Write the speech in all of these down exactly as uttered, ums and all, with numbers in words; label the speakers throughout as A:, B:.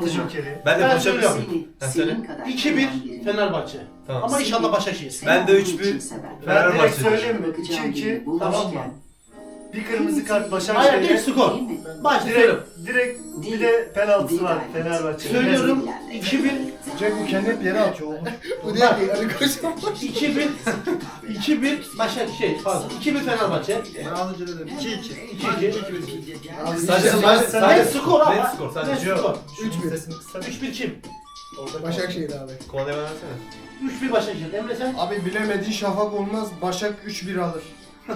A: Altı jokeri.
B: Ben de
C: Ben
B: konuşabiliyorum.
C: söylüyorum.
B: Ha, söyle.
C: iki bir Fenerbahçe.
B: Tamam.
C: Ama inşallah Başakşehir.
B: Ben de üç bir
A: Ben direkt
B: Fenerbahçe.
A: söyleyeyim mi? iki iki tamam mı? Bir kırmızı kart
C: Hayır
A: Başakşehir'e.
C: değil skor. Başla
A: Direkt,
C: söylüyorum.
A: direkt bir de penaltısı var Fenerbahçe.
C: Söylüyorum iki bir
D: Cenk bu kendi hep yere atıyor.
E: Bu değil ki Ali Koç'un.
C: iki bir iki bir Başakşehir pardon. iki bir Fenerbahçe.
D: Ben az önce dedim. iki iki.
C: iki iki.
B: Sadece
A: Sen-
B: sadece
A: sen-
B: sadece
C: Net skor ama.
B: Net skor sadece.
C: Net skor.
E: üç bir.
C: üç bir kim?
E: Başakşehir abi.
B: Konu devam etsene.
C: üç bir Başakşehir. Emre sen?
D: Abi bilemediğin şafak olmaz. Başak üç bir alır.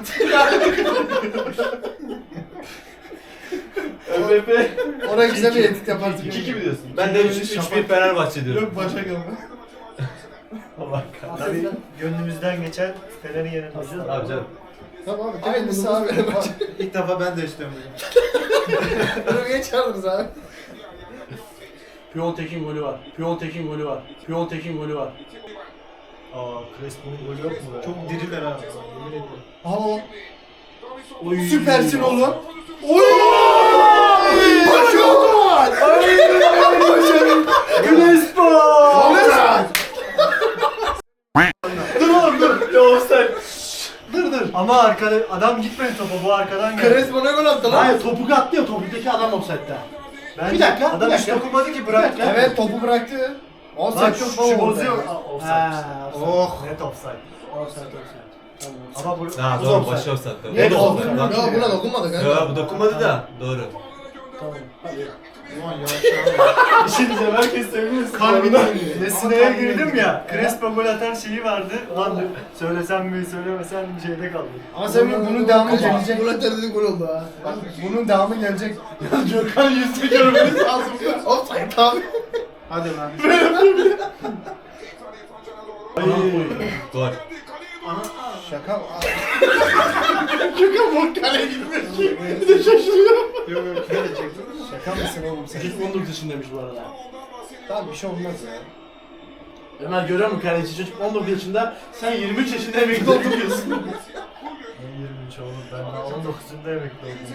B: ÖBB.
E: Oraya güzel bir edit yaparsın.
B: iki iki mi diyorsun? Ben de üç bir Fenerbahçe diyorum.
D: Yok Başak alır.
B: Allah kahretsin.
A: Tabii gönlümüzden geçen Fener'i yenilmesi.
B: Abi canım.
E: Tamam abi.
D: Aynısı
E: Kendisi abi.
D: abi. İlk defa ben de istiyorum.
E: Bunu geç çağırırız abi.
C: Piontek'in golü var. Piontek'in golü var. Piontek'in golü var.
A: Aa, Crespo'nun golü yok mu?
D: Çok diriler abi. Yemin ediyorum.
E: Aha.
C: Oy.
E: Süpersin oğlum. Oy! Başak var.
C: Crespo! Dur oğlum dur.
B: Ya offside.
C: Dur dur.
A: Ama arkada adam gitmedi topa, bu arkadan geldi.
E: Crespo ne gol attı lan?
C: Hayır topu attı ya topuktaki adam offside'da.
A: Bence
C: Bir dakika,
A: adam
C: bir
A: hiç
C: dakika.
A: dokunmadı ki, bıraktı.
C: Bir dakika.
E: Evet topu bıraktı.
A: Bak
E: Offside
A: şu,
E: çok
A: şu
E: baba oldu.
A: bozuyor. Aa, offside.
C: Ha,
D: Oh.
A: Net offside.
C: offside offside. Tamam.
A: Ama bu
B: Ha
C: Bu
B: doğru
C: offside.
B: başı offside.
C: Net
B: Bu da
C: offside.
B: offside. Lan.
E: Ya buna dokunmadı kanka.
B: Ya bu dokunmadı da. Doğru.
C: Tamam. Hadi.
D: Ulan yavaş yavaş.
A: bir şey diyeceğim, herkes seviyor. Kalbine Messi'ye girdim ya. Crespo gol atan şeyi vardı. Lan söylesem mi söylemesem mi şeyde kaldı.
D: Ama sen bunun devamı gelecek.
E: Gol atar dedi gol oldu ha.
D: Bak bunun devamı gelecek.
C: Gökhan yüzünü görmeniz lazım.
E: Offside abi.
D: Hadi lan.
B: Gol.
D: Şaka.
C: Gökhan bok kaleye gitmiyor ki. Bir de şaşırıyor.
D: Yok yok şöyle çektim. Şaka mısın oğlum sen?
C: Çocuk on dokuz yaşındaymış bu arada.
D: Tamam bir şey olmaz ya.
C: Ömer görüyor musun kaleci çocuk on dokuz yaşında, sen yirmi üç yaşında emekli oldun diyorsun.
A: Ben yirmi üç oğlum, ben daha on dokuzunda emekli oldum.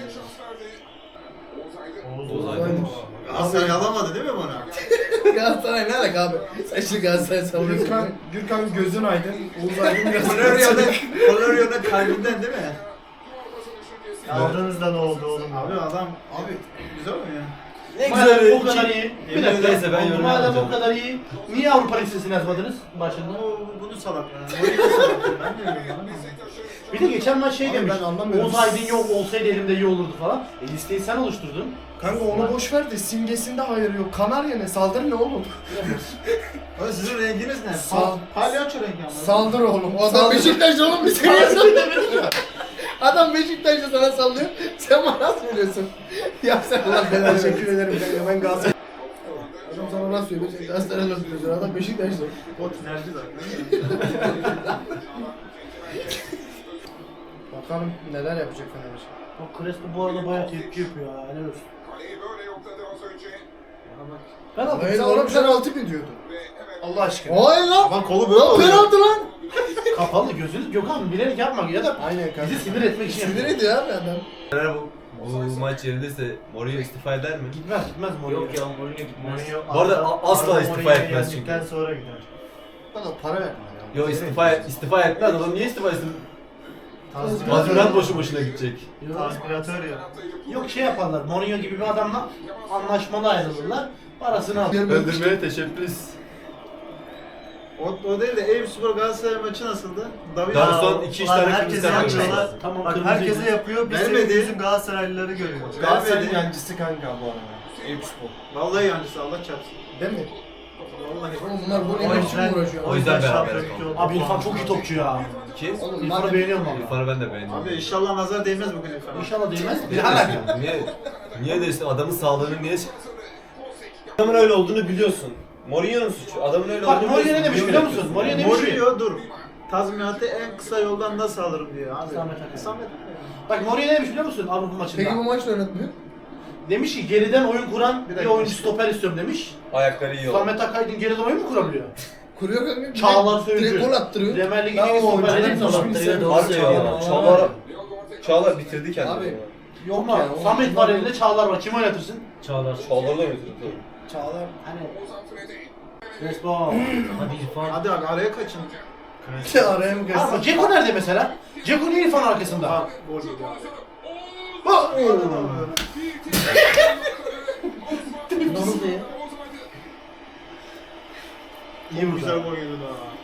A: Oğuz
B: Oğuz
A: Aydın.
B: Aydın.
D: Galatasaray alamadı değil mi bana?
E: Galatasaray ne alaka abi? Sen şimdi Galatasaray savunuyorsun.
D: Gürkan, Gürkan gözün aydın. Oğuz Aydın biraz.
F: Florio'nun Florio'nun kalbinden değil mi?
A: Aldığınızda ne oldu oğlum?
D: Abi adam abi güzel oynuyor.
B: Ne
C: Madem
B: güzel.
C: o kadar iyi. Bir
B: Yemin
C: dakika.
B: ederse ben yorum
C: Madem o
B: yapmayacağım.
C: kadar iyi, niye Avrupa Lisesi'ni yazmadınız başında?
D: O bunu salak ya. Oyunu da salak. Ben de bilmiyorum.
C: Bir de geçen maç şey
D: Abi
C: demiş,
D: ben anlamıyorum.
C: Oğuz Aydın yok olsaydı elimde iyi olurdu falan. E listeyi sen oluşturdun.
D: Kanka onu boş ver de simgesinde hayır yok. Kanarya ne? Saldır ne oğlum?
F: Abi sizin renginiz ne?
D: Sal-
F: Palyaço rengi ama.
D: Saldır oğlum.
E: O adam Beşiktaşlı oğlum bir seni sallıyor. Adam Beşiktaşlı sana sallıyor. Sen bana söylüyorsun. Ya sen ulan ben
D: Teşekkür ederim kanka. Ben Galatasaray.
E: Adam sana nasıl söylüyor? Sen Galatasaray'la söylüyorsun. Adam Beşiktaşlı.
D: O tinerci zaten. Bakalım neler yapacak Fenerbahçe.
C: O Crespo bu arada bayağı tepki yapıyor ha, helal olsun. Ben aldım.
E: Hayır oğlum sen altı bin diyordun.
C: Allah aşkına.
E: Hayır lan.
B: Lan kolu böyle
E: Lan
B: oluyor.
E: penaltı lan.
C: Kapalı gözünüz Gökhan bilerek yapma ya da
D: Aynen kanka.
C: bizi sinir etmek için
E: Sinir
C: yapıyor.
E: ediyor abi adam.
B: Fener bu, bu maç yenilirse Mourinho istifa eder mi?
C: Gitmez gitmez Mourinho.
A: Yok ya, Mourinho gitmez.
B: Bu arada a- asla istifa etmez çünkü.
A: Gittikten sonra gider.
D: Bana para verme ya.
B: Yo istifa istifa etmez adam niye istifa etsin? Tazminat boşu boşuna gidecek.
C: Yok.
A: Aspiratör ya.
C: Yok şey yaparlar, Mourinho gibi bir adamla anlaşmalı ayrılırlar, parasını alır.
B: Öldürmeye teşebbüs.
F: O, o değil de Eyüpspor Galatasaray maçı nasıldı? David
B: Daha
A: Ya,
B: son iki üç
A: ulan
B: tane
A: herkese
B: kırmızı kart
A: yapıyorlar.
B: görüyoruz.
C: Tamam,
A: Bak
C: kırmızı
A: herkese
C: yüzü.
A: yapıyor, biz
F: Vermedi.
A: senin yüzün Galatasaraylıları görüyoruz.
D: Galatasaray'ın yancısı kanka bu arada. Eyüpspor.
F: Vallahi yancısı Allah çarpsın.
D: Değil mi?
F: Vallahi.
E: Oğlum bunlar gol
A: O
E: yemek için mi
A: yüzden,
E: uğraşıyor?
B: O yüzden beraber
A: şampiyonluk
B: yapalım.
A: yolu-
C: Abi İrfan çok iyi topçu ya.
B: Kim?
E: Oğlum
C: İrfan'ı
E: madem
C: beğeniyorum valla.
B: İrfan'ı ben de beğendim.
F: Abi inşallah nazar değmez bugün efendim.
C: İnşallah değmez.
B: Niye
C: Ne alaka?
B: diyorsun? Niye? Niye diyorsun? Adamın sağlığını niye... Adamın öyle olduğunu biliyorsun. Mourinho'nun suçu. Adamın öyle
C: Bak
B: olduğunu
C: Mourinho ne demiş
B: Niye
C: biliyor
B: yapıyorsun?
C: musun? Mourinho demiş ki.
F: Mourinho dur. Tazminatı en kısa yoldan nasıl alırım diyor abi.
C: Samet Akay.
F: Samet
C: Bak Mourinho ne demiş biliyor musun Avrupa maçında?
E: Peki bu maç da oynatmıyor.
C: Demiş ki geriden oyun kuran bir,
F: Bir dakika.
C: oyuncu stoper istiyorum demiş.
B: Ayakları iyi oldu.
C: Samet Akaydın geriden oyun mu kurabiliyor?
E: Kuruyor kanka.
C: Çağlar Söyüncü.
E: Direkt gol attırıyor.
C: Premier Lig'in
D: Ya
C: en iyi
D: o
C: stoperleri
D: oyuncuların
C: hepsi
D: hiçbirini
C: attırıyor.
D: sevmiyorum.
B: Harbi ya. Çağlar, Çağlar bitirdi kendini.
E: Abi,
C: Yok
E: ya,
C: mu?
E: o-
C: Samet var elinde, Çağlar var. Kim oynatırsın?
B: Çağlar. Çağlar'la bitirdi tabii.
E: Çağlar.
C: Hani Crespo.
G: Hadi İrfan.
F: Hadi abi araya kaçın.
D: Araya mı
C: Ama
D: kaçsın?
C: Ceko nerede mesela? Ceko niye İrfan arkasında?
F: Ha, gol yedi abi.
C: Bak!
G: Nasıl ya?
C: İyi bu
F: Güzel gol yedi daha.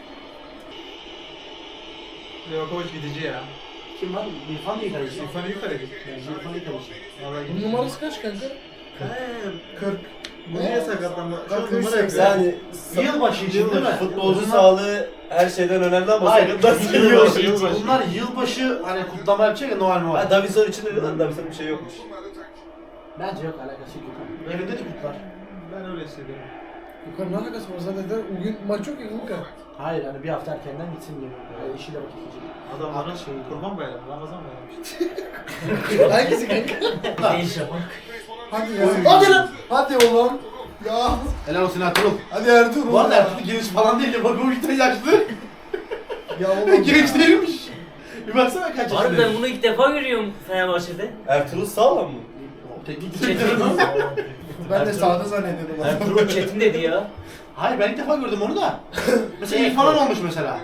F: Livakovic gidici ya.
C: Kim var? İrfan değil kaleci.
F: İrfan'ı yukarı git.
C: İrfan değil kaleci.
F: Vallahi
E: Bunun
F: gidici.
E: numarası kaç kanka?
F: kırk. Bu niye sakatlandı? Şu an
E: Bak,
F: numara
E: yüz
F: yapıyor.
B: Yani
C: Yılbaşı için değil mi?
B: futbolcu
C: Bunlar-
B: sağlığı her şeyden önemli ama
C: Hayır,
B: sakatlar
C: yılbaşı,
B: yılbaşı.
C: yılbaşı. Bunlar yılbaşı hani kutlama yapacak ya Noel Noel.
B: Ha Davison için de lan Davison'un bir şey yokmuş.
C: Bence yok alakası yok. Evinde de kutlar.
F: Ben öyle hissediyorum.
E: Yukarı ne alakası var zaten? de Bugün maç yok ya kanka.
C: Hayır hani bir hafta erkenden gitsin diye. Yani işiyle vakit geçecek.
F: Adamların şey, kurban bayramı, Ramazan bayramı işte.
E: Hangisi kanka?
G: Ne iş yapak?
E: Hadi ya. Hadi lan. Hadi oğlum. Ya.
C: Helal olsun Ertuğrul.
E: Hadi Ertuğrul.
C: Bu arada
E: ya.
C: Ertuğrul genç falan değil de bak o işte yaşlı.
E: Ya oğlum.
C: Genç değilmiş. Bir baksana kaç
G: Abi ben
C: yaşında.
G: bunu ilk defa görüyorum Fenerbahçe'de.
B: Ertuğrul sağlam mı?
C: Teknik
G: Çetin.
C: direktörü.
E: Ben de sağda zannediyordum.
G: Ertuğrul Çetin dedi ya.
C: Hayır ben ilk defa gördüm onu da. Mesela
G: Evet.
C: İrfan'ın olmuş mesela.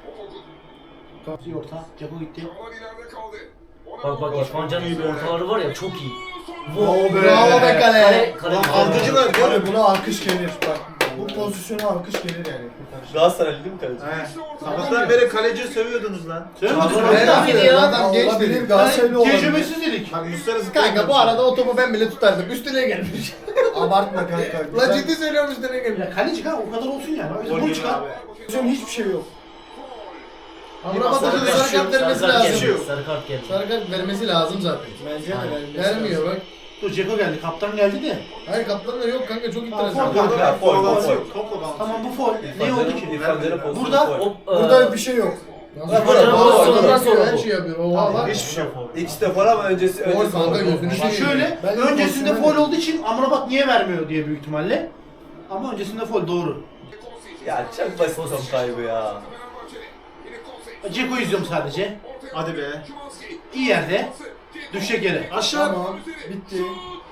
C: Orta. Ceko gitti.
G: Bak bak İrfan Can'ın ortaları var ya çok iyi.
E: Bravo be.
G: Kale,
E: Bravo be kale.
G: kale.
F: Lan altıcılar diyor.
D: Abi buna alkış gelir. Bak bu pozisyona alkış gelir yani.
B: Galatasaraylı değil mi kaleci?
F: He. Sabahtan beri kaleciyi sövüyordunuz lan.
C: Söylemedin
G: Çağlar
C: mi?
G: Öyle
E: Ben
G: miydi ya?
E: Adam genç
D: Olabilir,
E: dedi.
D: Galatasaraylı olabilir.
C: Tecrübesiz dedik.
F: Bak Muslera
E: Kanka bu arada o topu ben bile tutardım. Üstüne gelmiş.
D: Abartma kanka.
E: La
D: Güzel.
E: ciddi söylüyorum üstüne gelmiş.
C: Ya kaleci kanka o kadar olsun yani.
F: Gol
C: Bunu
F: yedi
C: çıkar.
F: abi.
D: Pozisyon hiçbir şey yok.
E: Amrabat'ın sarı kart vermesi
G: Sarı kart
E: lazım.
G: geldi. Sarı kart geldi.
E: Sarı kart vermesi lazım zaten.
D: Bence de
G: Aynen.
D: vermesi
E: Vermiyor
D: lazım.
E: bak.
C: Dur Ceko geldi. Kaptan geldi de.
E: Hayır kaptanlar yok kanka çok
C: Tamam,
E: enteresan.
C: faul.
B: Kanka, foul, foul, foul.
F: Topla bağlı.
C: Tamam bu foul. Ne oldu ki?
B: İrfan Can'ın pozisyonu
C: Burada-
B: foul.
G: Hop,
D: Burada
G: eee,
D: bir şey yok.
E: Nasıl
B: Bak,
E: böyle?
B: bak,
E: Nasıl
B: bak,
E: sonra
G: bak,
E: sonra
G: bak.
E: her şey yapıyor. Oha bak.
F: Hiçbir şey yok.
B: İkisi de foul ama öncesi
E: Foul
B: öncesi
E: kanka,
B: foul.
E: gözünü
C: Şimdi
E: seveyim.
C: şöyle,
D: Ben de
C: öncesinde
D: pozisyonu
C: foul
D: dedim.
C: olduğu için Amrabat niye vermiyor diye büyük ihtimalle. Ama öncesinde foul doğru.
B: Ya çok basit top kaybı ya.
C: Ceko izliyorum sadece.
F: Hadi be.
C: İyi yerde. Düşecek yere.
F: Aşağı.
D: Tamam. Bitti.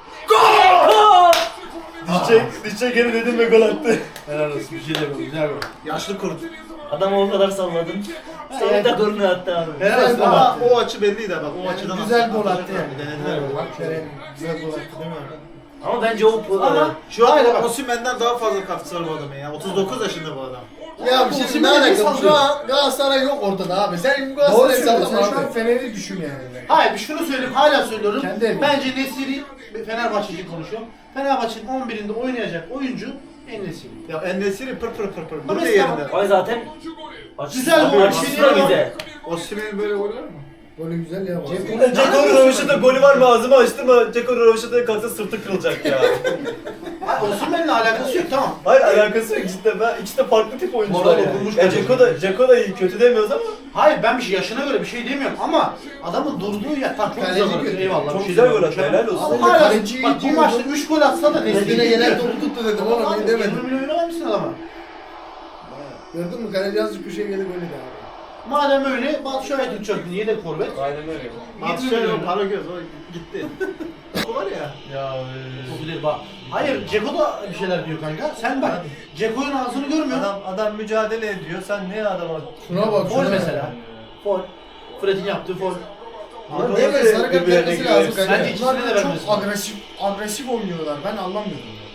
B: Dişe, dişe geri dedim ve gol attı.
C: Helal olsun. Bir şey demiyorum. Güzel gol.
F: Yaşlı kurt.
G: Adamı o kadar salladım. Sonra da golünü attı abi.
C: Helal olsun
F: Ama
C: ama.
F: o açı belliydi bak. O açıdan
D: Yani güzel
F: attı-
D: gol attı
F: atacaklar.
D: yani.
F: Denediler mi?
D: Bak Kerem güzel gol attı değil mi?
G: Ama bence o
C: Ama
F: Şu
C: Hayır,
F: an
C: bak.
F: Osimhen'den daha fazla katkısı var bu adamın ya. otuz dokuz yaşında bu adam.
E: Ya bir şey
C: Osimhen
E: ne
C: de
E: alakalı? Şu
C: sallıyor.
E: an Galatasaray yok ortada abi. Sen
D: Doğru
E: Galatasaray'ı
D: söylüyorsun.
E: sallama
D: Sen şu an
E: abi.
D: Fener'i düşün yani.
C: Hayır bir şunu söyleyeyim. Hala söylüyorum.
D: Kendi evi.
C: Bence Nesiri Fenerbahçe için konuşuyorum. Fenerbahçe'nin on birinde oynayacak oyuncu En-Nesyri.
F: Ya En-Nesyri pır pır pır pır.
C: Ama
F: Burada
C: mesela-
F: yerinde.
G: Ay zaten açısı,
C: Güzel gol,
G: açısı
C: şey
G: da
C: değil
G: güzel.
F: Osimhen'in böyle golü var mı?
E: Golü güzel ya.
B: Ceko'nun Röveşat'a golü var mı ağzımı açtırma. Ceko'nun Röveşat'a kalksa sırtı kırılacak ya.
C: Hayır Osimhen'le alakası yok tamam.
B: Hayır alakası yok cidden. Ben ikisi de farklı tip oyuncular
C: Moral
B: yani.
C: okunmuş
B: Ya
C: bence.
B: Ceko da, Ceko da iyi kötü demiyoruz ama
C: Hayır ben bir şey yaşına göre bir şey demiyorum ama adamın durduğu yer tam çok
E: Kaleci
C: güzel gol.
E: kötü.
C: Eyvallah.
B: çok
C: bir şey
B: güzel gol
C: demiyorum.
B: attı helal olsun.
C: Ama
E: Ben de
C: hala
E: kaleciyi
C: bak bu
E: diyordum.
C: maçta üç gol atsa da
E: Kendine
C: Nesiri
E: gelen topu tuttu dedim oğlum iyi
C: yirmi
E: demedim.
C: milyon oynamışsın adama.
E: Gördün mü kaleci azıcık bir şey geldi golü de abi.
C: Madem öyle Batu Şahit tutacaktın yedek forvet.
B: Aynen öyle.
F: Atışlar o para göz o gitti. O var ya.
B: Ya
C: Çok güzel bak. Hayır Ceko da bir şeyler diyor kanka. Sen bak Ceko'nun ağzını görmüyorsun.
B: adam adam mücadele ediyor. Sen niye adama?
E: Şuna bak
C: Foul
E: şuna.
C: mesela. Foul. Fred'in yaptığı foul.
E: Bunlar değil mi? Sarı kart
B: Birbirlerine
E: vermesi
B: giriyor.
E: lazım kanka.
C: Bence ikisine de
D: Bunlar
C: vermesi
D: çok
C: lazım.
D: agresif agresif oynuyorlar. Ben anlamıyorum. ya.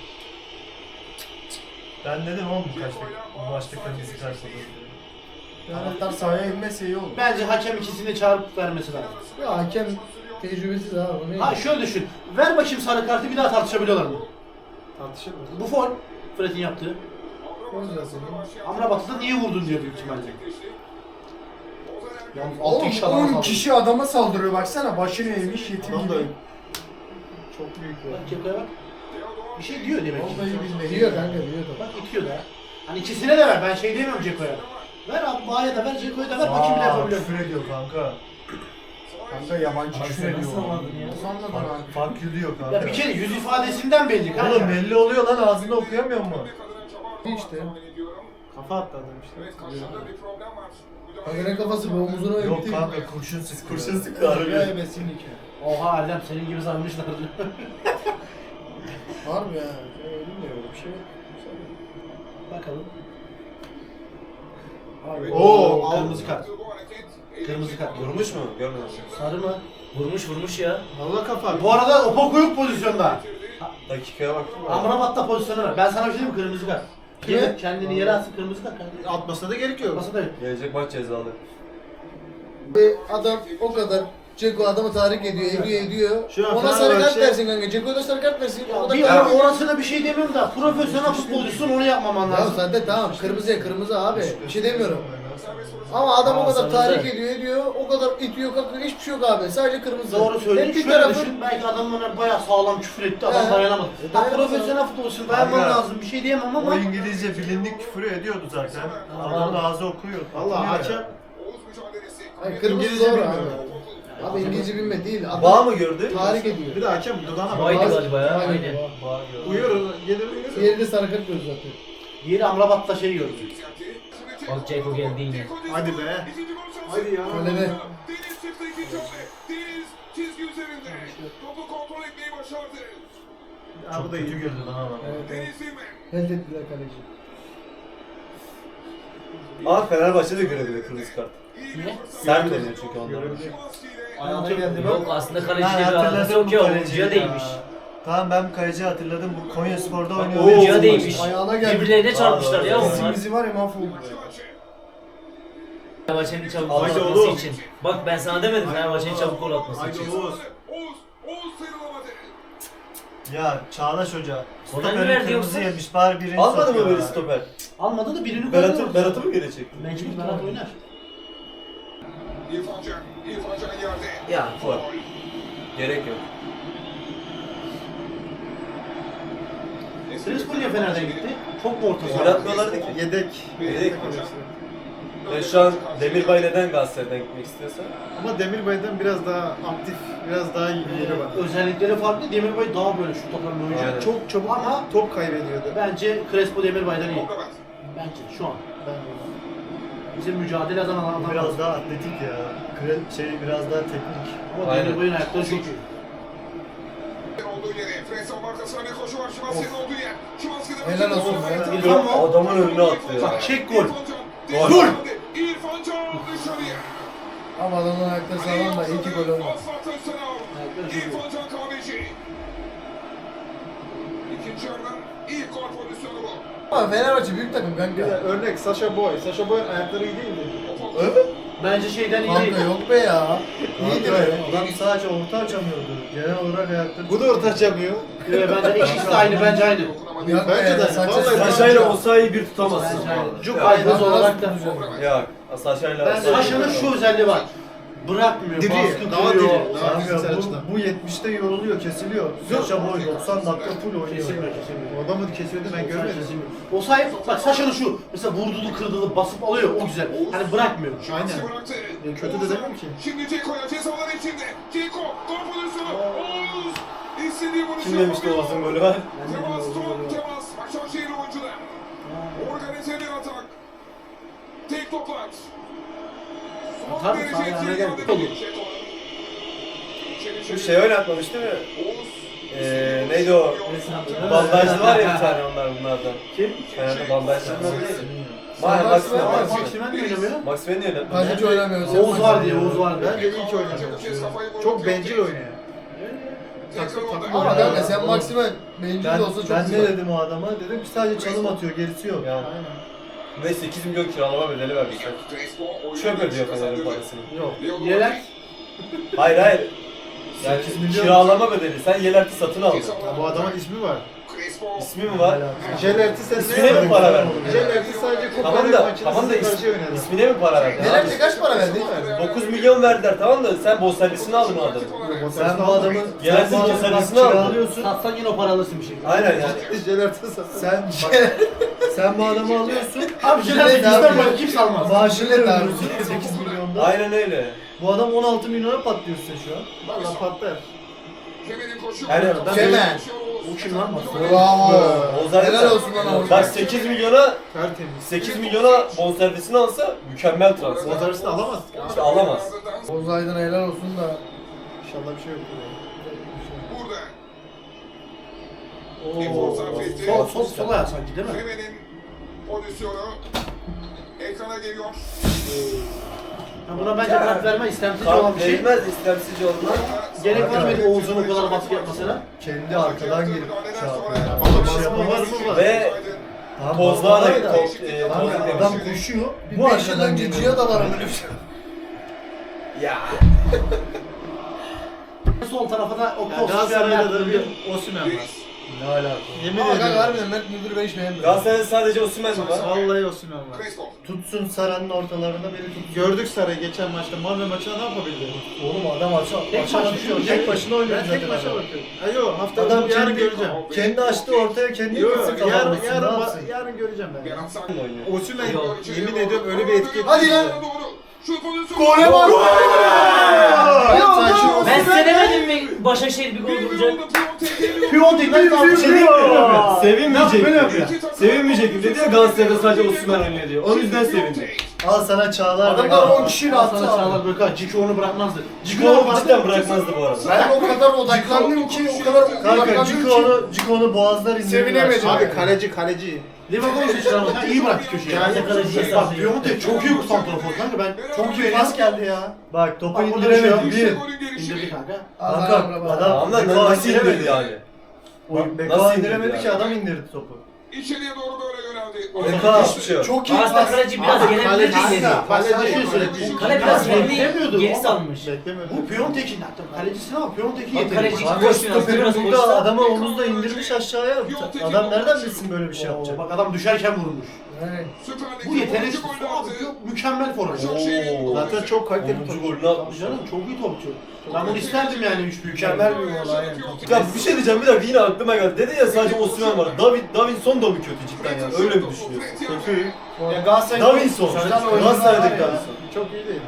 B: Ben dedim oğlum bu kaçta bu maçta kırmızı karşıladı.
D: Taraftar sahaya inmese iyi olur.
C: Bence hakem ikisini çağırıp vermesi lazım.
E: Ya hakem tecrübesiz abi. o ne?
C: Ha şöyle düşün. Ver bakayım sarı kartı bir daha tartışabiliyorlar mı?
F: Tartışır mı?
C: Bu foul. Fred'in yaptığı.
E: Foul zaten.
C: Amrabat'ı da niye vurdun diyor büyük ihtimalle. Yalnız altı
D: Oğlum
C: kişi adama
D: on
C: saldırdı.
D: kişi adama saldırıyor baksana. Başını eğmiş yetim
F: Adam da
D: gibi.
F: çok büyük
C: Bak
F: ya.
C: Ceko'ya bak. Bir şey diyor demek ki.
D: Vallahi billahi.
E: Diyor kanka diyor da.
C: Bak itiyor da. Hani ikisine de ver. Ben şey demiyorum Ceko'ya. Ver abi Bağ'a da ver, Ceko'ya da ver. Bakayım ne
B: Aa,
C: yapabiliyor.
B: küfür ediyor kanka.
D: Kanka yabancı
G: Abi
D: küfür
G: sen
D: ediyor.
G: nasıl anladın ya?
D: Nasıl anladın abi?
B: Fark yürüyor kanka.
C: Ya bir kere yüz ifadesinden belli kanka.
B: Oğlum belli oluyor lan ağzını okuyamıyor mu?
E: İşte.
F: Kafa attı adam işte.
E: Kanka ne kafası bu omuzuna
B: Yok
E: gitti.
B: kanka kurşun sık kurşun sık
E: Ya
B: harbi.
E: ebesinlik ya.
C: Oha Erdem senin gibi sanmışlardı.
E: Harbi ya. Bilmiyorum bir şey yok.
C: Bakalım.
E: Harbi.
C: Oo, kırmızı kart. Kırmızı kart.
B: Vurmuş mu? Görmedim.
C: Sarı mı?
G: Vurmuş vurmuş ya.
F: Allah kafa.
C: Bu arada Opoku yok pozisyonda.
B: Dakikaya baktım.
C: Amrabat'ta pozisyonu var. Ben sana bir şey diyeyim mi? Kırmızı kart.
E: Kime?
C: Yine kendini yere atsın kırmızı kart. kardeşim.
F: Atmasına da gerek yok.
C: Masa da yok.
B: Gelecek maç cezalı.
E: Ve adam o kadar Ceko adamı tahrik ediyor, ediyor, ediyor.
F: Şu an
E: Ona sarı kart
F: Fenerbahçe-
E: versin kanka. Ceko'ya da sarı kart versin. O da
C: Bir
E: tahrik ediyor.
C: orasına bir şey demiyorum da profesyonel futbolcusun onu yapmaman
E: Ya
C: lazım.
E: zaten tamam kırmızıya kırmızı abi. Bir şey demiyorum. Ama adam o kadar
G: Aa,
E: tahrik
G: sarı.
E: ediyor, ediyor. O kadar itiyor, kalkıyor. Hiçbir şey yok abi. Sadece kırmızı.
C: Doğru söylüyorsun.
E: Hep bir
C: Şöyle
E: tarafı.
C: düşün. Belki adam ona bayağı sağlam küfür etti. Adam
E: He.
C: dayanamadı.
E: E,
C: Ha,
E: dayanamadı.
C: profesyonel futbolcusun dayanman
A: Kanka.
C: lazım. Bir şey diyemem ama.
A: O İngilizce bilindik küfür ediyordu zaten. Adamın ağzı okuyor.
F: Allah
A: okunuyor ya.
F: hakem.
E: Hayır, kırmızı
F: İngilizce
E: doğru
F: bilmiyor.
E: abi. Abi İngilizce bilme değil. Adam
B: Bağ mı gördü?
E: tahrik ediyor.
F: Bir de hakem dudağına bak.
G: Baydı galiba ya.
E: Aynen.
G: Aynen.
F: Uyuyor, gelir uyuyor.
E: Diğeri de sarı kart gördü zaten.
C: Yeri Amrabat'ta şey gördü.
G: Bak Ceko geldi yine.
F: Hadi be. Hadi ya.
E: Öyle de.
F: Ya bu da iyi.
A: Kötü güldü lan adam.
E: Evet, evet. Reddettiler kaleci.
B: Aa Fenerbahçe de görebilir kırmızı kart.
C: Niye?
B: Ser mi deniyor çünkü onlara?
A: Ayağına geldi
G: Yok
A: bak.
G: aslında
A: Ben
G: kaleciyle bir alakası
A: hatırladım
G: yok
A: bu
G: ya.
A: kaleciyi
G: Oyuncuya
A: ya.
G: değmiş.
A: Tamam ben bu kaleciyi hatırladım. Bu Konya Spor'da oynuyor.
G: Oyuncuya
A: Oo,
G: değmiş.
E: Ayağına geldi.
G: Birbirlerine çarpmışlar ya
A: Bizim
G: onlar.
A: bizi var ya mahvoldu.
G: Fenerbahçe'nin çabuk gol
F: Haydi
G: atması
F: oğlum.
G: için. Bak ben sana demedim Fenerbahçe'nin çabuk gol atması
F: Haydi
G: için.
F: Oğuz.
A: Ya Çağdaş Hoca.
G: Ona
A: Stoper'in
G: mı verdi
A: kırmızı
G: yoksa?
A: yemiş bari birini
B: Almadı
A: sokuyor
B: mı böyle
A: ya.
B: stoper?
C: Almadı da birini
B: Berat'ı,
C: koydu.
B: Berat'ı mı geri çekti?
C: Mecbur Berat oynar.
B: Ya fuar. Gerek yok.
C: Crespo niye Fener'den gitti? Çok mu orta saha?
B: Oynatmıyorlardı ki.
F: Yedek.
B: Yedek. Yani şu an Demirbay neden Galatasaray'dan gitmek istiyorsa?
F: Ama Demirbay'dan biraz daha aktif, biraz daha iyi bir yeri var.
C: Özellikleri farklı. Demirbay daha böyle şut atan bir oyuncu.
B: Aynen.
F: Çok çabuk
C: Ama
F: top kaybediyordu.
C: bence Crespo Demirbay'dan iyi. Bence şu an. Bizim mücadele eden
A: Bu
C: adamlar
A: biraz daha atletik ya. Kre- şey biraz daha teknik.
C: Ama
B: Aynen.
C: Demirbay'ın ayakları çok iyi.
E: Helal olsun be.
C: İrfan mı?
B: Adamın önüne attı ya.
C: Bak çek gol.
B: Gol.
C: Dur!
E: Ama adamın ayakları sağlam da iyi ki gol olmadı.
C: Ayakları çok iyi.
E: Ama Fenerbahçe büyük takım
F: Bir de
E: kanka.
F: örnek Sasha Boy. Sasha Boy'un ayakları iyi değildi.
C: Bence şeyden iyi
E: Kanka
C: değil.
E: yok be ya. İyiydi
A: Kanka,
E: be.
A: Adam sadece orta açamıyordu. Genel olarak ayakları...
F: Bu da orta açamıyor.
C: Evet, bence ikisi de aynı, bence aynı.
E: Yok
F: Bence
E: be,
F: de.
E: Sanchez-
F: Vallahi
B: Saşa'yla Osayi'yi bir tutamazsın.
C: Bence aynı. Cuk
B: Ya,
C: aynı
E: Nasıl
C: olarak da.
E: tutacak?
B: Ya Saşa'yla
C: Ben Saşa'nın şu özelliği var. Bırakmıyor,
F: Diri,
C: baskı
F: daha
C: kuruyor.
F: diri. Daha
A: Kanka
F: fiziksel
A: bu,
F: açıdan.
A: bu yetmişte yoruluyor, kesiliyor. Saşa boy doksan dakika full oynuyor.
C: Kesilmiyor, kesilmiyor.
F: O adamı kesildi ben görmedim.
C: O sahip, bak Saşa'nın şu, mesela vurdulu kırdılı basıp alıyor, o güzel. Hani bırakmıyor.
F: Aynen. Ya kötü de demem ki.
H: Şimdi Ceko'ya cezalar içinde. Ceko gol pozisyonu. Oğuz istediği vuruşu
B: Kim demişti Oğuz'un golü var?
H: Temas son temas. Başakşehir oyuncular. Organize bir atak. Tek toplar. Son
C: Tabii,
H: derece
C: sahaya
H: etkili
C: geldi.
H: geldi.
C: Olur.
B: Bu şey oynatmamış değil mi? Ee, neydi o? Bandajlı var ya bir tane onlar bunlardan.
C: Kim?
B: Fener'de bandajlı var.
E: Maximen
B: Max Maximen.
E: var,
B: Maximen.
C: Maximen mi oynamıyor?
B: Maximen niye oynatmadı?
E: Kaç hiç oynamıyor. sen
C: Oğuz var
E: bak.
C: diye, Oğuz var diye.
F: Bence iyi ki oynadı. Çok bencil oynuyor. Takım takım
E: Ama
F: oynuyor.
E: kanka sen Maximen bencil
A: Ben,
E: de olsa çok
A: ben ne
E: güzel.
A: dedim o adama? Dedim ki sadece çalım atıyor, gerisi yok.
B: Ya. Ve sekiz milyon kiralama bedeli vermişler. Çöp ödüyor Fener'in parasını.
F: Yok.
C: Yelek.
B: Hayır hayır. Yani
A: sekiz milyon
B: kiralama bedeli. Sen Yelert'i satın aldın.
F: Ya bu adamın ismi var.
B: İsmi mi var?
F: Jelerti sen
B: İsmine mi para verdin?
F: Jelerti sadece
B: Tamam
F: Kopenhag
B: da,
F: maçında
B: tamam da
F: size
B: is,
F: karşı oynadı.
B: ismine mi para verdin?
E: Yener'de kaç para verdi?
B: dokuz milyon verdiler tamam da sen bonservisini aldın o adamı.
A: Sen bu adamın,
B: Gelen
A: sen bu adamı
B: bonservisini
A: bak
B: aldın.
A: kiralıyorsun.
C: Satsan yine o para alırsın bir şekilde.
B: Aynen yani.
F: Jelerti satın.
A: Sen sen bu adamı alıyorsun.
C: Abi Jelerti
E: Jilet
C: bizden
E: abi.
C: başka kimse almaz.
A: Maaşını
E: Jilet abi.
A: ödüyorsun sekiz milyonda.
B: Aynen öyle.
A: Bu adam on altı milyona patlıyor size şu an.
F: Valla patlar.
B: Yani
E: Kemen.
C: O kim lan?
E: Bravo.
B: Ozan
E: Helal olsun lan Oğuz.
B: Bak sekiz milyona
F: Tertemiz.
B: sekiz milyona bonservisini alsa mükemmel transfer.
F: Bonservisini alamazdık.
B: İşte alamaz.
E: Oğuz Aydın'a helal olsun da.
F: İnşallah bir şey yok.
H: Burada. Efor sarf etti.
C: Sol, sol, sol ayağı sanki değil mi?
H: Femen'in pozisyonu ekrana geliyor.
C: Ya buna bence kart verme istemsizce olan
B: Kart
C: bir şey.
B: verilmez istemsizce olduğundan.
C: Gerek var mıydı Oğuz'un o kadar baskı yapmasına?
D: Kendi arkadan gelip şey yapıyor.
C: Ama
D: Bir şey
C: basma var
D: yapamaz.
C: mı var?
B: Ve
D: Tamam,
B: pozlar da
D: basma var
B: top, e,
D: Kanka,
B: toz
D: adam
B: demişti.
D: koşuyor. Bir
E: Bu
D: beş
E: arkadan
D: yıldan
E: geçiyor
D: geçiyor
E: da var ama öyle bir şey.
B: Ya.
C: Sol tarafa da o
F: Yani
C: post
F: Galatasaray'da da bir Osimhen var.
D: Ne alaka?
F: Yemin
E: Ama kanka
F: ediyorum.
E: harbiden Mert Müldür'ü ben hiç beğenmedim.
B: Galatasaray'da sadece Osimhen mi var?
F: Vallahi Osimhen var.
H: Crespo.
D: Tutsun Saran'ın ortalarında beni tutsun.
F: Gördük Saray'ı geçen maçta. Malmö maçında ne yapabildi?
D: Oğlum adam açı
C: Tek
D: açı
C: maç
D: açıyor.
C: düşüyor.
D: Tek başına oynuyor
F: Ben
D: zaten.
F: tek maça
D: adam.
F: bakıyorum. Ha yok hafta
D: Adam
F: yarın
D: kendi,
F: göreceğim.
D: kendi açtı ortaya kendi
F: Yok
D: gitsin
F: yarın,
D: kazanmasın.
F: yarın,
D: Ne
F: ba-
D: yapsın?
F: yarın göreceğim ben.
H: Berat Sar.
F: Osimhen
G: Yok.
F: yemin ediyorum öyle bir etki etti.
E: Hadi lan.
H: Doğru. Şu pozisyonu.
E: Gole bak.
D: Ya, saçma olsun.
G: Ben size demedim mi Başakşehir bir gol bulacak?
C: Piyontek'ten kaldı.
B: Bir şey diyeyim mi? Sevinmeyecek.
C: Böyle yapıyor.
B: Sevinmeyecek dedi ya Galatasaray'da sadece Osimhen oynuyor diyor. O yüzden sevindi.
D: Al sana Çağlar.
E: Adamlar
D: Bey.
E: on kişiyle
C: Sana
E: attı abi.
C: Çağlar Böka, Ciki onu bırakmazdı. Ciki
B: Ciko
C: onu
B: onu cidden bırakmazdı bu arada.
E: Ben o kadar odaklandım ki o kadar
D: Kanka
E: odaklandım
D: Ciko
E: ki.
D: onu, Ciko onu boğazlar indirdi.
E: Sevinemedim.
F: Abi kaleci kaleci.
C: Livakovic çıkarmadan iyi bıraktı köşeye.
G: Yani kaleciye
C: Bak
G: sallıyor.
C: Piyontek çok iyi santrafor kanka ben
E: Çok iyi pas geldi ya.
D: Bak topu
C: Bak, burada
D: indiremedi.
C: şey
D: Bir.
H: Golün gelişi.
C: indirdi kanka.
D: Kanka adam
B: Tamam lan
D: Beko
B: nasıl
D: indiremedi.
B: indirdi yani?
D: Oyun
B: Nasıl
D: Beko
B: indirdi
D: indiremedi
B: yani?
D: ki adam indirdi topu.
H: İçeriye doğru böyle yöneldi.
D: Beko.
B: Hiçbir şey yok.
E: Çok iyi
G: Aslında
E: pas.
G: kaleci biraz
C: Abi,
G: gelebilirdi
C: kaleci-
G: ileri.
C: Kaleci
F: Kaleci-
C: şey söyledi.
G: Kale biraz
C: beklemiyordu.
G: kendi geri salmış.
F: Beklemiyordum.
C: Bu Piyontek'in hatta kalecisi ama Piyontek'in
G: Bak,
C: yeteneği.
G: kaleci-
C: Bak,
D: Kanka
G: Koşmuyor,
D: stoperin
G: biraz
D: burada
G: koşsa-
D: adamı omuzla indirmiş aşağıya. Adam nereden bilsin böyle bir şey
C: Oo,
D: yapacak?
C: bak adam düşerken vurmuş.
E: Evet.
H: Süper Lig'de
C: Bu yetenek
H: onuncu golünü
C: abi
H: attı.
C: çok mükemmel forvet.
B: Oo.
F: Zaten çok kaliteli
B: onuncu
F: topçu.
B: golünü atmış.
C: Tabii canım çok iyi topçu. Ben bunu isterdim yani üç büyük.
E: Mükemmel bir gol aynen.
B: Ya bir şey diyeceğim bir dakika yine aklıma geldi. Dedi ya sadece Osimhen var. David, Davinson da mı kötü cidden ya? Öyle mi düşünüyorsun?
F: Kötü.
E: Ya Galatasaray
B: Davinson.
E: güzel oyuncular
B: Galatasaray'daki
E: var ya.
B: Davinson.
F: Çok iyi değil.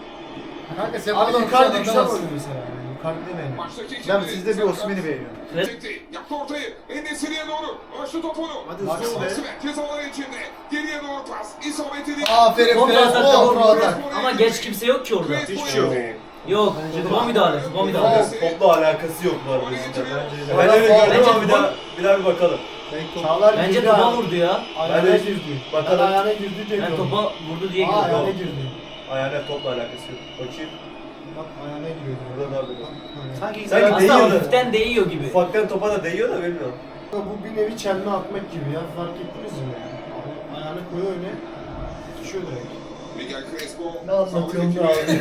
E: Kanka sen
D: Abi
E: buradan
D: Icardi
E: Icardi
D: güzel
E: güzel
D: oynuyor mesela. yani. Icardi demeyin.
H: Maçtaki
F: Ben
H: ikili.
F: sizde bir Osimhen'i beğeniyorum.
H: Çekti. Yaptı ortayı. En-Nesyri'ye doğru. Açtı topunu.
F: Hadi hızlı ol be.
H: Osimhen cezalar içinde. Geriye doğru pas. İsabetli değil.
E: Aferin
G: Kontra
E: Crespo,
G: atakta
E: kontra
G: vurdu.
E: atak.
G: Ama geç kimse yok ki orada.
H: Hiçbir şey yok.
G: Yok. Kuba müdahale. Kuba müdahale.
B: Topla alakası yok bu arada cidden.
H: Bence-
B: Ben öyle gördüm
G: Bence
B: ama bir
G: bu-
B: daha bir daha bir bakalım.
D: Çağlar
G: Bence
D: girdi
G: topa
D: abi.
G: vurdu ya.
D: Ayağına
B: Ben de-
D: girdi.
B: Bakalım.
D: Ben ayağına girdi diye
G: Ben
D: gördüm.
G: topa vurdu diye
D: Aa,
G: gördüm.
D: ayağına girdi.
B: Ayağına topla alakası yok. Bakayım.
D: Bak ayağına giriyor.
B: Burada da böyle.
C: Sanki
B: Sanki
G: Aslında
B: değiyor da.
G: hafiften değiyor gibi.
B: Ufaktan topa da değiyor da bilmiyorum.
D: Bu bir nevi çelme atmak gibi ya, fark ettiniz mi ya? Ayağını koyuyor öne, düşüyor direkt.
H: Miguel Crespo.
D: Ne anlatıyorsun be abi?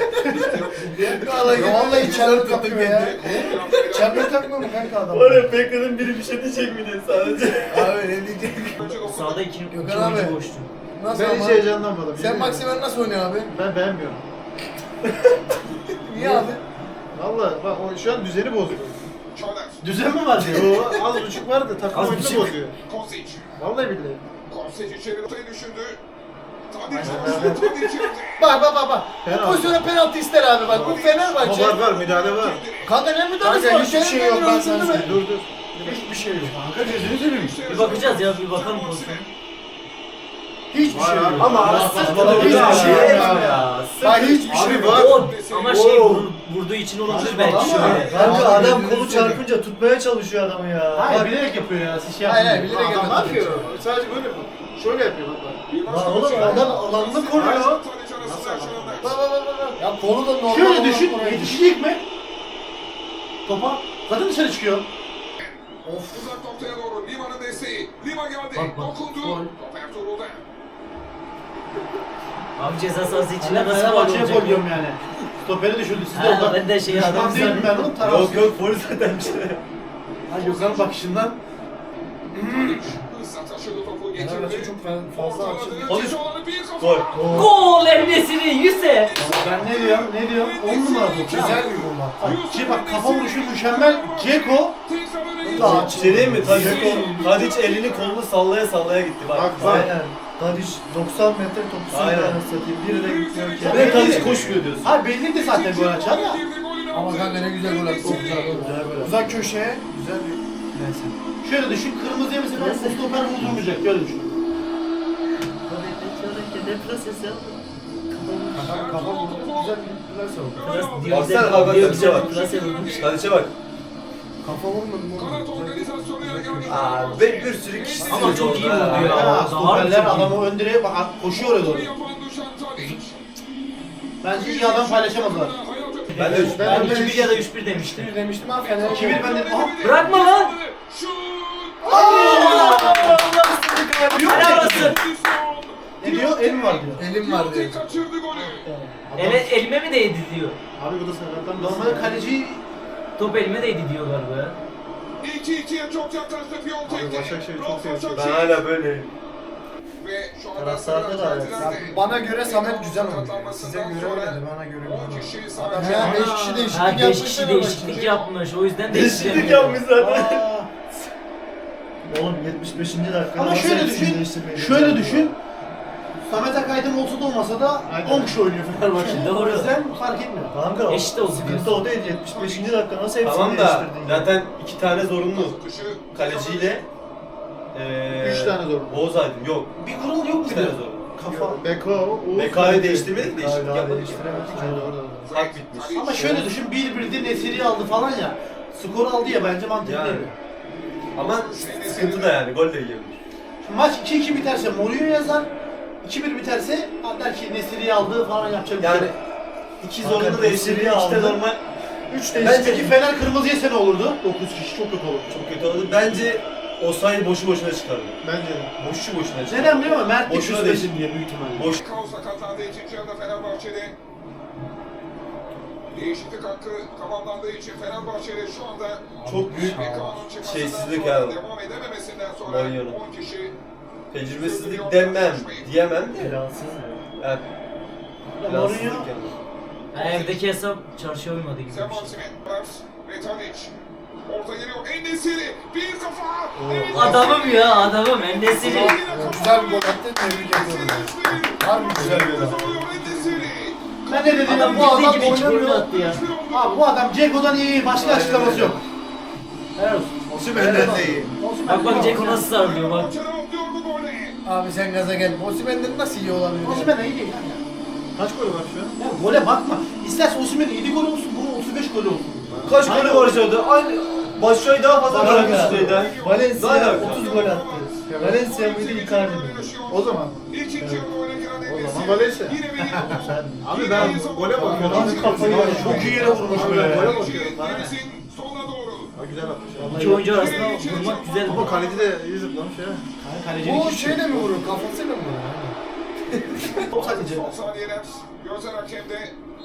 E: Vallahi vallahi çelme takıyor ya. Çelme takmıyor mu kanka adam?
B: bekledim biri bir şey diyecek mi diye sadece.
E: Abi ne diyecek?
G: Sağda iki, iki
E: Gökhan
G: oyuncu
E: abi.
G: boştu.
E: Nasıl
F: Ben hiç
E: ama?
F: heyecanlanmadım.
E: Sen
F: yemin
E: Maximen nasıl oynuyor abi?
F: ederim. Ben beğenmiyorum.
E: Niye abi?
F: Valla bak o şu an düzeni bozuyor.
H: Çağlar.
C: düzen mi var diyor.
F: O az buçuk vardı takım
G: Az
F: oyunu
G: buçuk.
F: bozuyor.
H: Kosic.
F: Vallahi billahi.
H: Kosic içeri ortaya düşündü. Tadic
F: Aynen,
H: koştu. Tadic yaptı.
E: Bak bak bak bak. Bu
F: Penaltı.
E: pozisyona penaltı ister abi bak. Bu
F: Ama
E: Fenerbahçe.
F: var var müdahale var.
E: Kanka ne müdahalesi
D: Kanka
E: var?
D: hiçbir şey yok, ben sana söyleyeyim.
F: Dur dur.
D: Hiçbir şey yok.
C: Kanka gözünü seveyim.
G: Bir bakacağız ya bir bakalım pozisyona.
D: Hiçbir şey yok.
B: Ama
C: saçmalama
B: hiçbir
D: ya.
B: şey
D: Ya.
B: yok ya.
E: Bak hiçbir şey
F: Abi
E: yok.
F: var.
G: O ama şey
B: Oo.
G: vur- vurduğu için olabilir
C: Saçmalama.
G: belki şöyle.
D: Kanka
E: Abi,
D: adam
E: gözünü
D: kolu
E: seveyim.
D: çarpınca tutmaya çalışıyor adamı ya.
C: Hayır
D: Bak,
C: bilerek yapıyor ya. Siz şey
E: Hayır,
C: yapmayın.
E: hayır, bilerek
F: Adam ne
E: yapıyor.
F: yapıyor? Sadece böyle mi? Şöyle yapıyor bak bak.
H: Bir
D: Lan
H: başka
D: oğlum
H: şey.
D: adam alanını koruyor.
H: Tadic arasında yaşananlar.
E: Bak bak bak bak. Ya kolu da normal.
C: Şöyle
E: olarak
C: düşün,
E: oraya-
C: yetişecek mi? Topa. Zaten dışarı çıkıyor.
H: Of. Uzak noktaya doğru Lima'nın desteği. Lima geldi.
C: Bak, bak.
H: Dokundu.
C: Gol.
H: Top Ertuğrul'da.
G: Abi ceza sahası içinde
C: Ben
G: nasıl gol
C: Fenerbahçe'ye
G: olacak?
C: gol diyorum yani. Stoperi düşürdü. Siz de
G: Ha,
C: oradan.
G: ben de şey
C: Düşman
G: adam
C: değilim ben oğlum. tarafsız.
B: Yok yok polis zaten bir şey.
C: Ha Gökhan'ın bakışından.
H: Tadic. Hızla taşıdı topu
E: Fenerbahçe
H: geçirdi.
E: çok fa- fazla açıldı.
H: Ortaladı.
B: Polis.
H: Cezaları bir kafa.
B: Gol.
G: Gol Emresini yüze.
C: Ben ne diyorum, ne diyorum? on numara top.
E: Güzel bir gol bak.
C: Bak, şey bak kafa vuruşu mükemmel. Ceko.
H: Tekrar öne geçti.
D: Daha
B: Bir şey diyeyim mi? Tadic, Tadic elini kolunu sallaya sallaya gitti bak.
F: Bak bak.
D: Aynen. Tadic doksan metre topu
B: Aynen.
D: sürüyor satayım. Biri de gitmiyor ki.
B: Ve Tadic koşmuyor diyorsun.
C: Ha belli de zaten gol açar ya.
E: Ama kanka ne güzel gol attı. Çok güzel gol. Uzak köşeye güzel bir. Neyse.
C: Şöyle düşün, kırmızıya mesela bu stoper vurdurmayacak. Öyle düşün.
E: Kafa kafa vurdu. Güzel bir plase oldu.
B: Baksana bak bak Tadic'e bak.
G: Klase vurmuş.
B: Tadic'e bak.
D: Kafa vurmadım oğlum.
H: Kanat organizasyonu yani.
B: Aa, ve bir sürü kişi
G: Ama çok iyi vurdu ya.
C: Ya
G: Daha
C: stoperler
G: çok iyi.
C: adamı ön direğe bak koşuyor oraya doğru.
H: Yapan Dušan Tadić.
C: Bence iyi adam paylaşamadılar.
B: Ben de üç-
G: Ben
D: Ben
G: iki bir ya da üç bir demiştim.
D: Bir demiştim ama Fener.
C: iki bir ben de... Aha!
G: Bırakma lan!
H: Şut!
G: Helal olsun.
C: Ne diyor? El mi var diyor.
D: Elim var diyor.
H: Kaçırdı golü.
G: Ele, elime mi değdi diyor.
C: Abi bu da sakattan normal kaleci
G: Top elime değdi diyor galiba ya.
H: iki ikiye çok yaklaştı Piontek.
F: Abi Başakşehir çok seviyor.
B: Ben hala böyle.
H: Ve şu anda
A: Taraftarda da evet.
D: Ya bana göre Samet güzel oynuyor. Size göre öyle de bana göre
H: on
D: güzel.
H: kişi
D: Adam
H: sadece.
D: ya beş kişi değişiklik
G: Ha
D: yapmış.
G: beş kişi değişiklik yapmış. O yüzden değişiklik
B: yapmış zaten.
A: Oğlum yetmiş beşinci dakika.
C: Ama
A: nasıl
C: şöyle
A: hepsini
C: düşün,
A: değiştirmeyi
C: şöyle
A: başardın
C: düşün. Samet Akaydın olsa da olmasa da on kişi oynuyor Fenerbahçe.
G: Doğru.
C: O yüzden fark etmiyor.
A: Kanka
G: Eşit olsun
A: sıkıntı
G: diyorsun.
A: o değil. yetmiş beşinci dakika nasıl hepsini
B: Tamam da
A: değiştirdin ya?
B: zaten iki tane zorunlu. Kaleciyle eee
F: Üç tane zorunlu.
B: Oğuz Aydın yok.
C: Bir kural yok
B: İki tane
C: muydu?
B: zorunlu.
C: Kafa.
F: Beko, Uğuz.
B: Beka'yı değiştirmedik değişiklik
A: Daha
B: yapmadık.
A: değiştiremedik.
F: Aynen orada.
B: Hak bitmiş.
C: Ama şöyle düşün, bir birde Nesiri aldı falan ya. Skor aldı ya bence mantıklıydı.
B: Yani. Ama sıkıntı da yani gol de yiyebilir.
C: Maç iki iki biterse Mourinho yazar. iki bir biterse der ki Nesiri'yi aldı falan yapacak bir
B: Yani
C: şey.
B: iki
A: Kanka,
B: zorunlu değiştirdi,
A: Nesiri'yi
B: iki de
A: aldı.
B: normal.
A: üç
C: Bence
A: değişiklik.
C: ki Fener kırmızı yese ne olurdu? dokuz kişi çok kötü olurdu.
B: Çok kötü oldu. Bence Osayi boşu boşuna çıkardı.
F: Bence de.
B: Boşu boşuna çıkardı.
C: Neden biliyor musun? Mert de
B: Boşuna
C: küsmesin diye büyük ihtimalle.
B: Boş.
H: Kaos sakatlandı ikinci yarıda Fenerbahçe'de. Değişiklik hakkı tamamlandığı için Fenerbahçe'de şu anda
B: Çok büyük
H: bir kanun çıkmasından
B: şeysizlik
H: sonra
B: yani.
H: devam edememesinden sonra
B: Mourinho'nun.
H: on kişi
B: Tecrübesizlik demem, diyemem de.
A: Plansız ya.
B: Yani
C: Ya
B: plansızlık
C: Mourinho
B: yani.
G: Ha, evdeki hesap çarşıya uymadı gibi bir
H: Zeman
G: şey.
H: Simen ve Tadić. Orta geliyor En-Nesyri. Bir kafa.
G: Adamım ya adamım. Endesiri.
D: Güzel bir gol attı. Tebrik ediyorum. Harbi güzel bir gol attı.
C: ben ne dedim?
G: Adam
C: Bu adam
G: bildiği gibi hiç
C: oynamıyor.
G: golünü attı ya.
C: Abi bu adam Ceko'dan iyi, başka
B: Aynen
C: açıklaması
B: öyle.
C: yok. Helal olsun.
F: Osimhen'den de iyi.
C: Olsun,
G: Bak bak
C: ben-
G: Ceko nasıl sarılıyor bak.
D: Abi sen gaza gel. Osimhen'den nasıl iyi olabilir?
C: Osimhen iyi değil yani.
F: Kaç golü var şu an?
C: Ya gole bakma. İsterse Osimhen'in yedi gol olsun, bunun otuz beş gol olsun.
B: Kaç
C: Aynen.
B: golü var orada? Aynı Başşuay'ı daha fazla bırakmış şeyden.
A: Valencia
B: Daha
A: otuz gol attı. Valencia mıydı Icardi miydi?
F: O zaman. O zaman Valencia. Abi ben gole bakıyorum.
A: Abi kafayı
F: Abi
A: yedim.
C: Çok iyi yere vurmuş
F: Abi
C: böyle.
F: ben gole bakıyorum. Bana ne? Ha, güzel atmış.
G: İki oyuncu arasında vurmak güzel.
F: Ama kaleci de iyi zıplamış ya.
C: Kalecinin
D: Bu
C: hiç-
D: şeyle mi vurur? Kafasıyla mı vurur?
C: O kaleci.
H: Son saniyeler gözler hakemde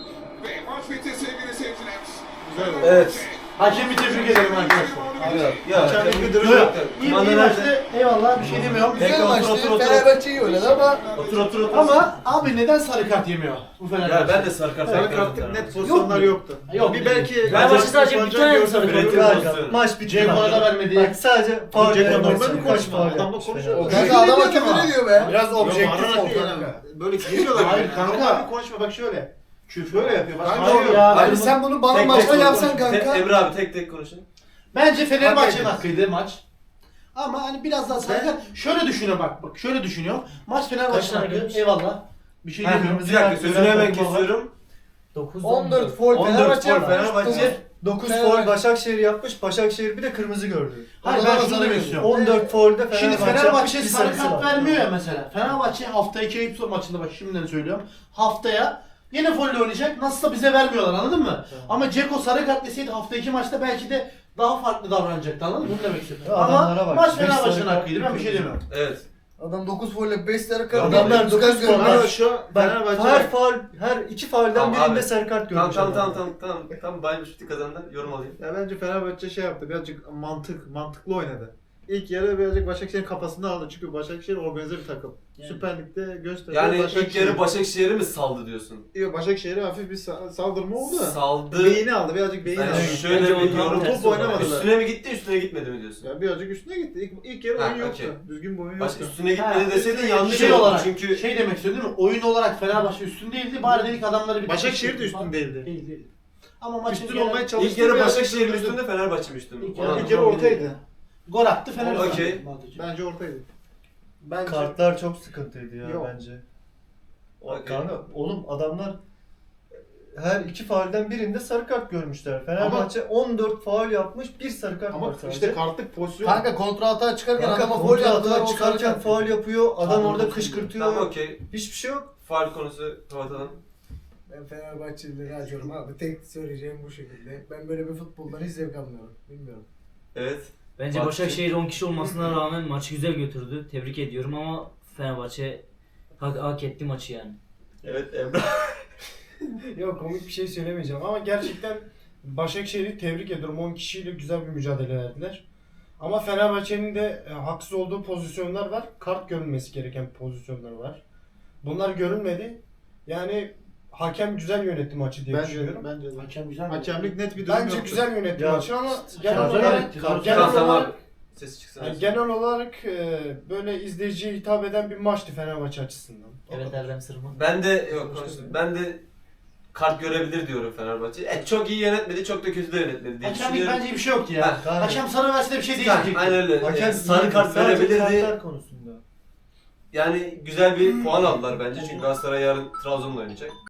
H: ve maç bitti sevgili seyirciler.
F: Güzel.
B: Evet.
C: Hakemi tebrik ederim arkadaşlar.
B: Abi ya.
F: Hakem
B: hakem
F: bir
B: duruş
F: duruş
B: yok.
C: İyi, iyi
B: Kumanda
C: maçtı.
B: nerede?
C: Eyvallah bir şey demiyorum.
B: Bekle,
D: Güzel
B: otur,
D: maçtı.
B: otur, otur.
D: Fenerbahçe iyi oynadı ama
B: Otur otur otur.
C: Ama abi neden sarı kart yemiyor bu Fenerbahçe?
B: Ya ben de sarı kart
F: Sarı
B: bekledim
F: kartlık
B: sana.
F: net pozisyonlar yoktu.
C: Yok.
F: Bir belki...
G: Fenerbahçe sadece bir tane sarı kart
B: Üretim
G: gördü.
B: pozisyonu.
A: Maç bitti.
C: Ceko'ya da vermedi.
A: Bak sadece faul
F: Ceko
A: yapmak
F: normal
A: için
F: mi
A: kaç
F: konuşma?
A: faul
F: Adamla
A: yapmış
F: konuşuyor.
A: Fener.
D: kanka adama küfür ediyor be. Biraz objektif
F: Bağırarak
D: ol
F: değil
D: kanka.
F: yani. Böyle geliyorlar.
C: Hayır kanka.
F: Normal bir konuşma bak şöyle.
C: Küfür öyle yapıyor. Başka
F: Kanka,
C: şey yok.
F: ya.
D: Abi sen bunu bana
B: Tek tek
D: maçta
B: konuş.
D: yapsan
B: Tek-
D: kanka.
B: Emre abi tek tek konuşun.
C: Bence Fenerbahçe'nin
D: Hak
C: hakkıydı maç. Ama hani biraz daha sarı kart. Şöyle düşünüyor bak. Bak şöyle düşünüyor. Maç
G: Kaç
C: Fenerbahçe'nin
G: tane
C: hakkı.
G: görmüş?
C: Eyvallah. Bir şey
B: Ha,
C: demiyorum.
B: bir dakika sözünü hemen kesiyorum.
G: dokuz
D: on dört foul
B: on dört
D: Fenerbahçe
B: foul
D: yapmış.
B: Fenerbahçe.
A: dokuz
D: Fenerbahçe.
A: foul Başakşehir yapmış. Başakşehir bir de kırmızı gördü.
C: Hayır
D: Orada
C: ben
D: da
C: şunu
D: sarı
C: demek
D: görüyor.
C: istiyorum.
A: on dört foul'de Fenerbahçe
C: Şimdi
A: yapmış,
C: Fenerbahçe
A: bir
C: sarı
A: sarısı
C: kart
A: var.
C: vermiyor ya mesela. Fenerbahçe hafta iki Eyüp maçında bak şimdiden söylüyorum. Haftaya yine folle oynayacak. Nasılsa bize vermiyorlar anladın mı? Ama Ceko sarı kart deseydi hafta iki maçta belki de daha farklı davranacaktı anladın mı? Bunu demek istiyorum.
A: Ya
C: Ama
A: adamlara bak,
C: maç
A: beş
C: Fenerbahçe'nin
A: sarı kart,
C: hakkıydı. Ben bir şey
A: bir
C: demiyorum.
B: Evet.
D: Adam dokuz foul ile beş sarı kart.
A: Adamlar
D: dokuz
A: dokuz
D: kart
A: foul.
D: görmüş.
F: Ama şu an
A: Bak
F: Fenerbahçe...
A: her faul, her iki faulden
B: Tamam
A: birinde
B: abi.
A: sarı kart
B: Tamam
A: görmüş.
B: tamam
A: adam.
B: tamam tamam tamam. Tamam Bayern Münih kazandı. Yorum alayım.
F: Ya bence Fenerbahçe şey yaptı, birazcık mantık, mantıklı oynadı. İlk yarı birazcık Başakşehir'in kafasını aldı çünkü Başakşehir organize bir takım.
C: Yani.
F: Süper Lig'de gösterdi.
B: Yani ilk
F: Başakşehir-
B: yarı Başakşehir'e mi saldı diyorsun?
F: Yok, Başakşehir'e hafif bir sa- saldırma oldu.
B: Saldı.
F: Beyni aldı, birazcık beyin
B: Ben
F: aldı.
B: şöyle
G: Bence
B: bir
G: o tam
B: yorum.
G: tersi
F: Top oynamadılar.
B: Üstüne mi gitti üstüne gitmedi mi diyorsun?
F: Ya birazcık üstüne gitti. İlk, ilk yarı
B: Ha,
F: oyun yoktu.
B: okey.
F: Düzgün bir oyun
B: Başka
F: yoktu.
B: üstüne
C: Ha,
B: gitmedi deseydin
F: üstüne-
B: yanlış
C: Şey
B: olur.
C: olarak,
B: Çünkü
C: şey demek istiyorum değil mi? Oyun olarak Fenerbahçe üstün değildi. Bari dedik adamları bir...
F: Başakşehir de üstün değildi.
C: Değil değil. Ama maçın
F: Üstün
C: genel-
F: olmaya çalıştı.
B: ilk yarı
F: biraz
B: Başakşehir'in
F: üstündü.
B: üstünde Fenerbahçe mi üstünde?
C: İlk
B: Ona-
C: yarı-
F: İlk yarı ortaydı.
C: Gol attı Fenerbahçe.
B: Okey.
F: Bence ortaydı.
C: Bence
A: Kartlar çok sıkıntıydı ya
F: Yok.
A: bence. O
B: Okey.
A: kanka oğlum adamlar her iki faulden birinde sarı kart görmüşler. Fenerbahçe on dört faul yapmış, bir sarı kart var
F: Ama
A: sadece.
F: işte kartlık pozisyon.
E: Kanka kontra atağa çıkarken
A: Kanka
E: adama foul
A: kontra
E: yaptılar.
A: atağa
E: o
A: çıkarken
E: çıkarken
A: faul yapıyor, adam
C: Tamam,
A: orada
C: tamam.
A: kışkırtıyor.
B: Tamam okey.
A: Hiçbir şey yok.
B: Faul konusu kapatalım.
D: Ben Fenerbahçelileri acıyorum abi. Tek söyleyeceğim bu şekilde. Ben böyle bir futboldan hiç zevk almıyorum. Bilmiyorum.
B: Evet.
G: Bence
B: Bak-
G: Başakşehir on kişi olmasına rağmen maçı güzel götürdü. Tebrik ediyorum ama Fenerbahçe hak, hak etti maçı yani.
B: Evet Emrah.
D: Yok komik bir şey söylemeyeceğim ama gerçekten Başakşehir'i tebrik ediyorum. on kişiyle güzel bir mücadele verdiler. Ama Fenerbahçe'nin de e, haksız olduğu pozisyonlar var. Kart görülmesi gereken pozisyonlar var. Bunlar görülmedi. Yani hakem güzel yönetti maçı diye
F: Bence,
D: düşünüyorum.
F: bence de.
C: Hakem güzel mi?
F: Hakemlik net bir durum
D: Bence
F: yoktu.
D: güzel yönetti
A: Ya,
D: maçı ama genel
C: Kaza
D: olarak,
C: etti,
D: genel
C: kaza
B: Tamam tamam.
D: olarak,
B: Ses çıksın.
D: yani genel olarak e, böyle izleyiciye hitap eden bir maçtı Fenerbahçe açısından.
G: Evet Erdem Sırma.
B: Ben de yok konuştum. Ben de kart görebilir diyorum Fenerbahçe. E, çok iyi yönetmedi, çok da kötü de yönetmedi diye
C: Hakemlik
B: düşünüyorum.
C: bence bir şey yoktu ya.
A: Ha,
C: Hakem sarı verse de bir şey
B: Ha,
C: değişmeyecek.
B: aynen öyle.
A: Hakem
B: E, sarı kart
A: sadece
B: verebilirdi.
A: kartlar konusunda.
B: Yani güzel bir puan aldılar bence çünkü Galatasaray yarın Trabzon'la oynayacak.